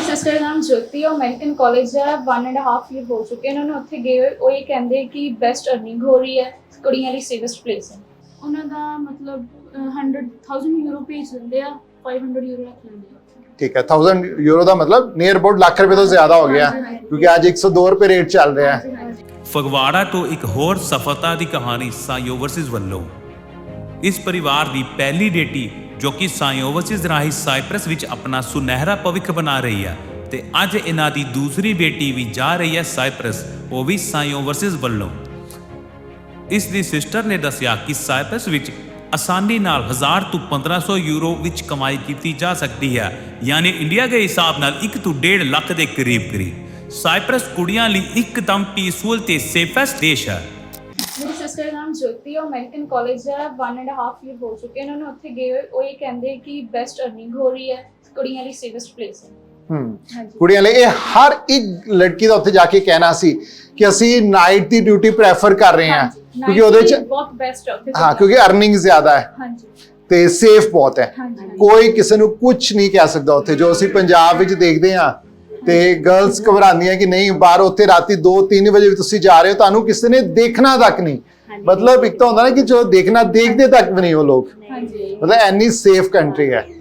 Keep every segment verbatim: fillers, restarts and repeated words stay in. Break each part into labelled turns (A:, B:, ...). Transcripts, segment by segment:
A: Sister ਦਾ ਨਾਮ ਜੋਤੀ ਉਹ American college ਦਾ वन एंड हाफ ईयर ਹੋ ਚੁੱਕੇ ਉਹਨਾਂ ਨੂੰ ਉੱਥੇ ਗਏ ਹੋਏ ਉਹ ਇਹ ਕਹਿੰਦੇ ਕਿ ਬੈਸਟ ਅਰਨਿੰਗ ਹੋ ਰਹੀ ਹੈ ਕੁੜੀਆਂ ਲਈ ਸੇਫਸਟ ਪਲੇਸ ਹੈ ਉਹਨਾਂ ਦਾ ਮਤਲਬ हंड्रेड थाउजेंड ਯੂਰੋ ਭੇਜ ਦਿੰਦੇ ਆ फाइव हंड्रेड ਯੂਰੋ ਰੱਖ ਲੈਂਦੇ ਆ
B: ठीक है थाउजेंड यूरो का मतलब नियर अबाउट लाख रुपए तो ज्यादा हो गया क्योंकि आज एक सौ दो रुपए रेट चल रहा है।
C: ਫਗਵਾੜਾ ਤੋਂ ਇੱਕ ਹੋਰ ਸਫਲਤਾ ਦੀ ਕਹਾਣੀ ਸਾਈ ਓਵਰਸੀਜ਼ ਵੱਲੋਂ। ਇਸ ਪਰਿਵਾਰ ਦੀ ਪਹਿਲੀ ਬੇਟੀ ਜੋ ਕਿ ਸਾਈ ਓਵਰਸੀਜ਼ ਰਾਹੀਂ ਸਾਈਪ੍ਰਸ ਵਿੱਚ ਆਪਣਾ ਸੁਨਹਿਰਾ ਭਵਿੱਖ ਬਣਾ ਰਹੀ ਹੈ ਤੇ ਅੱਜ ਇਹਨਾਂ ਦੀ ਦੂਸਰੀ ਬੇਟੀ ਵੀ ਜਾ ਰਹੀ ਹੈ ਸਾਈਪ੍ਰਸ, ਉਹ ਵੀ ਸਾਈ ਓਵਰਸੀਜ਼ ਵੱਲੋਂ। ਇਸ ਦੀ ਸਿਸਟਰ ਨੇ ਦੱਸਿਆ ਕਿ ਸਾਈਪ੍ਰਸ ਵਿੱਚ ਆਸਾਨੀ ਨਾਲ ਹਜ਼ਾਰ ਤੋਂ ਪੰਦਰਾਂ ਸੌ ਯੂਰੋ ਵਿੱਚ ਕਮਾਈ ਕੀਤੀ ਜਾ ਸਕਦੀ ਹੈ, ਯਾਨੀ ਇੰਡੀਆ ਦੇ ਹਿਸਾਬ ਨਾਲ ਇੱਕ ਤੋਂ ਡੇਢ ਲੱਖ ਦੇ ਕਰੀਬ ਕਰੀਬ। ਸਾਈਪ੍ਰਸ ਕੁੜੀਆਂ ਲਈ ਇੱਕਦਮ ਪੀਸਫੁਲ ਤੇ ਸੇਫੈਸਟ ਦੇਸ਼ ਹੈ।
A: ਮੇਰੀ ਸਿਸਟਰ ਦਾ ਨਾਮ ਜੋਤੀ ਉਹ ਅਮਰੀਕਨ ਕਾਲਜ ਦਾ वन एंड हाफ ईयर ਹੋ ਚੁੱਕੇ ਉਹਨਾਂ ਨੂੰ ਉੱਥੇ ਗਏ ਹੋਏ ਉਹ ਇਹ ਕਹਿੰਦੇ ਕਿ ਬੈਸਟ ਅਰਨਿੰਗ ਹੋ ਰਹੀ ਹੈ ਕੁੜੀਆਂ ਲਈ ਸੇਫਸਟ ਪਲੇਸ ਹੈ।
B: ਹੂੰ ਕੁੜੀਆਂ ਲਈ ਇਹ ਹਰ ਇੱਕ ਲੜਕੀ ਦਾ ਉੱਥੇ ਜਾ ਕੇ ਕਹਿਣਾ ਸੀ ਕਿ ਅਸੀਂ ਨਾਈਟ ਦੀ ਡਿਊਟੀ ਪ੍ਰੈਫਰ ਕਰ ਰਹੇ ਹਾਂ ਕਿਉਂਕਿ ਉਹਦੇ ਚ
A: ਬਹੁਤ ਬੈਸਟ ਹੈ ਉੱਥੇ।
B: ਹਾਂ ਕਿਉਂਕਿ ਅਰਨਿੰਗ ਜ਼ਿਆਦਾ ਹੈ
A: ਹਾਂਜੀ
B: ਤੇ ਸੇਫ ਬਹੁਤ ਹੈ, ਕੋਈ ਕਿਸੇ ਨੂੰ ਕੁਝ ਨਹੀਂ ਕਹਿ ਸਕਦਾ ਉੱਥੇ। ਜੋ ਅਸੀਂ ਪੰਜਾਬ ਵਿੱਚ ਦੇਖਦੇ ਹਾਂ ਤੇ ਗਰਲਸ ਘਬਰਾਉਂਦੀਆਂ ਕਿ ਨਹੀਂ ਬਾਹਰ ਉੱਥੇ ਰਾਤੀ दो तीन ਵਜੇ ਵੀ ਤੁਸੀਂ ਜਾ ਰਹੇ ਹੋ ਤੁਹਾਨੂੰ ਕਿਸੇ ਨੇ ਦੇਖਣਾ ਤੱਕ ਨਹੀਂ, ਮਤਲਬ ਇੱਕ ਤਾਂ ਹੁੰਦਾ ਨਾ ਕਿ ਜੋ ਦੇਖਣਾ ਦੇਖਦੇ ਤੱਕ ਵੀ ਨਹੀਂ ਉਹ ਲੋਕ, ਮਤਲਬ ਐਨੀ ਸੇਫ ਕੰਟਰੀ ਹੈ।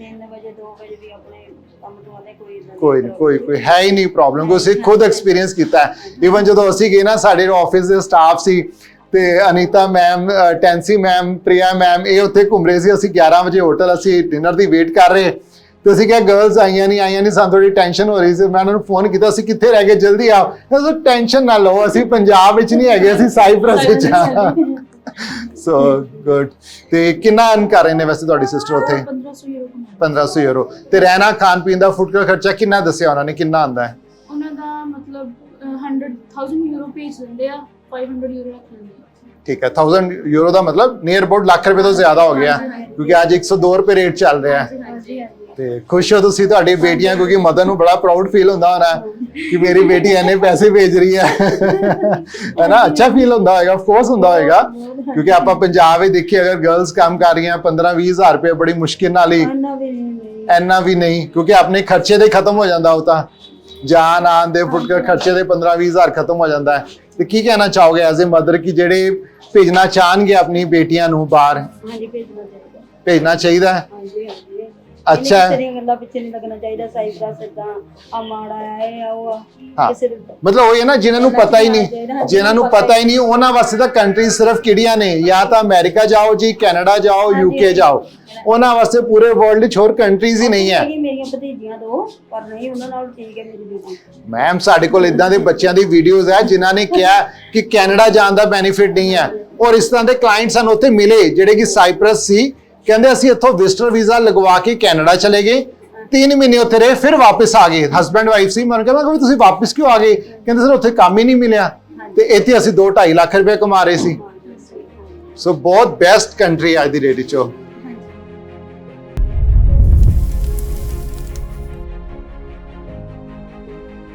B: ਕੋਈ ਨਹੀਂ ਕੋਈ ਕੋਈ ਹੈ ਹੀ ਨਹੀਂ ਪ੍ਰੋਬਲਮ, ਕੋਈ ਅਸੀਂ ਖੁਦ ਐਕਸਪੀਰੀਅੰਸ ਕੀਤਾ ਹੈ। ਈਵਨ ਜਦੋਂ ਅਸੀਂ ਗਏ ਨਾ ਸਾਡੇ ਆਫਿਸ ਦੇ ਸਟਾਫ ਸੀ ਤੇ Anita ma'am, Tency ma'am, Priya ma'am ਇਹ ਉੱਥੇ ਘੁੰਮ ਰਹੇ ਸੀ। ਅਸੀਂ ਗਿਆਰਾਂ ਵਜੇ ਹੋਟਲ ਅਸੀਂ ਡਿਨਰ ਦੀ ਵੇਟ ਕਰ ਰਹੇ ਤੇ ਅਸੀਂ ਕਿਹਾ ਗਰਲਸ ਆਈਆਂ ਨਹੀਂ ਆਈਆਂ ਨਹੀਂ ਸਾਨੂੰ ਥੋੜੀ ਟੈਨਸ਼ਨ ਹੋ ਰਹੀ ਸੀ। ਮੈਂ ਉਹਨਾਂ ਨੂੰ ਫੋਨ ਕੀਤਾ ਅਸੀਂ ਕਿੱਥੇ ਰਹਿ ਗਏ ਜਲਦੀ ਆਓ। ਤੁਸੀਂ ਟੈਨਸ਼ਨ ਨਾ ਲਓ ਅਸੀਂ ਪੰਜਾਬ ਵਿੱਚ ਨਹੀਂ ਹੈਗੇ ਅਸੀਂ ਸਾਈਪ੍ਰਸ ਵਿੱਚ ਹਾਂ। So good. ਤੇ ਕਿੰਨਾ ਅਰਨ ਕਰ ਰਹੇ ਨੇ ਵੈਸੇ ਤੁਹਾਡੀ ਸਿਸਟਰ ਉੱਥੇ? पंद्रह सौ यूरो। ਤੇ ਰਹਿਣਾ ਖਾਣ ਪੀਣ ਦਾ ਫੂਡ ਦਾ ਖਰਚਾ ਕਿੰਨਾ ਦੱਸਿਆ ਉਹਨਾਂ ਨੇ ਕਿੰਨਾ ਆਉਂਦਾ ਹੈ?
A: ਉਹਨਾਂ ਦਾ ਮਤਲਬ हंड्रेड थाउजेंड ਯੂਰੋ ਭੇਜ ਦਿੰਦੇ ਆ फाइव हंड्रेड ਯੂਰੋ ਰੱਖ ਲੈਂਦੇ ਆ।
B: ठीक है थाउजेंड यूरो का मतलब नियर अबाउट लाख रुपए तो ज्यादा हो गया क्योंकि आज एक सौ दो रुपए रेट चल रहा है। ਤੇ ਖੁਸ਼ ਹੋ ਤੁਸੀਂ ਤੁਹਾਡੀ ਬੇਟੀਆਂ ਕਿਉਂਕਿ ਮਦਰ ਨੂੰ ਬੜਾ ਪ੍ਰਾਊਡ ਫੀਲ ਹੁੰਦਾ ਹੋਣਾ ਕਿ ਮੇਰੀ ਬੇਟੀ ਇੰਨੇ ਪੈਸੇ ਭੇਜ ਰਹੀ ਹੈ ਹੈ ਨਾ। ਅੱਛਾ ਫੀਲ ਹੁੰਦਾ ਹੋਏਗਾ, ਆਫ ਕੋਰਸ ਹੁੰਦਾ ਹੋਏਗਾ ਕਿਉਂਕਿ ਆਪਾਂ ਪੰਜਾਬ ਵਿੱਚ ਦੇਖੀਏ ਅਗਰ ਗਰਲਸ ਕੰਮ ਕਰ ਰਹੀਆਂ पंद्रह बीस ਹਜ਼ਾਰ ਰੁਪਏ ਬੜੀ ਮੁਸ਼ਕਿਲ ਨਾਲ ਹੀ, ਇੰਨਾ ਵੀ ਨਹੀਂ ਕਿਉਂਕਿ ਆਪਣੇ ਖਰਚੇ ਦੇ ਖਤਮ ਹੋ ਜਾਂਦਾ ਉਹ ਤਾਂ ਜਾਨ ਆਨ ਦੇ ਫੁੱਟ ਕੇ ਖਰਚੇ ਦੇ पंद्रह बीस ਹਜ਼ਾਰ ਖਤਮ ਹੋ ਜਾਂਦਾ ਹੈ। ਤੇ ਕੀ ਕਹਿਣਾ ਚਾਹੋਗੇ ਐਜ਼ ਅ ਮਦਰ ਕਿ ਜਿਹੜੇ ਭੇਜਣਾ ਚਾਹਣਗੇ ਆਪਣੀ ਬੇਟੀਆਂ ਨੂੰ ਬਾਹਰ? ਹਾਂਜੀ ਭੇਜਣਾ ਚਾਹੀਦਾ, ਭੇਜਣਾ ਚਾਹੀਦਾ ਹੈ। ਹਾਂਜੀ ਹਾਂਜੀ ਅੱਛਾ ਗੱਲਾਂ ਪਿੱਛੇ ਨਹੀਂ ਲੱਗਣਾ ਚਾਹੀਦਾ। ਸਾਈਪ੍ਰਸ ਇਦਾਂ ਆ ਮਾੜਾ ਹੈ ਉਹ ਕਿਸੇ ਮਤਲਬ ਉਹ ਹੈ ਨਾ ਜਿਨ੍ਹਾਂ ਨੂੰ ਪਤਾ ਹੀ ਨਹੀਂ, ਜਿਨ੍ਹਾਂ ਨੂੰ ਪਤਾ ਹੀ ਨਹੀਂ ਉਹਨਾਂ ਵਾਸਤੇ ਤਾਂ ਕੰਟਰੀ ਸਿਰਫ ਕਿਹੜੀਆਂ ਨੇ, ਜਾਂ ਤਾਂ ਅਮਰੀਕਾ ਜਾਓ ਜੀ, ਕੈਨੇਡਾ ਜਾਓ, ਯੂਕੇ ਜਾਓ, ਉਹਨਾਂ ਵਾਸਤੇ ਪੂਰੇ ਵਰਲਡ ਵਿੱਚ ਹੋਰ ਕੰਟਰੀਜ਼ ਹੀ ਨਹੀਂ ਹੈ।
D: ਮੇਰੀਆਂ ਭਤੀਜੀਆਂ ਦੋ ਪਰ ਨਹੀਂ ਉਹਨਾਂ ਨਾਲ ਠੀਕ ਹੈ ਮੇਰੀ ਬੇਟੀ।
B: ਮੈਮ ਸਾਡੇ ਕੋਲ ਇਦਾਂ ਦੇ ਬੱਚਿਆਂ ਦੀ ਵੀਡੀਓਜ਼ ਹੈ ਜਿਨ੍ਹਾਂ ਨੇ ਕਿਹਾ ਕਿ ਕੈਨੇਡਾ ਜਾਣ ਦਾ ਬੈਨੀਫਿਟ ਨਹੀਂ ਹੈ ਔਰ ਇਸ ਤਰ੍ਹਾਂ ਦੇ ਕਲਾਇੰਟ ਸਾਨੂੰ ਉੱਥੇ ਮਿਲੇ ਜਿਹੜੇ ਕਿ ਸਾਈਪ੍ਰਸ ਸੀ। ਕਹਿੰਦੇ ਅਸੀਂ ਇੱਥੋਂ ਵਿਜ਼ਟਰ ਵੀਜ਼ਾ ਲਗਵਾ ਕੇ ਕੈਨੇਡਾ ਚਲੇ ਗਏ, तीन महीने उत्थे रहे फिर वापस आ गए। हसबैंड वाइफ सी मैं कहा तुसीं वापस क्यों आ गए? कहते सर उत्थे काम ही नहीं मिलिया ते इत्थे असीं दो ढाई लाख रुपए कमा रहे सी। सो बहुत बेस्ट कंट्री अज दी डेट च।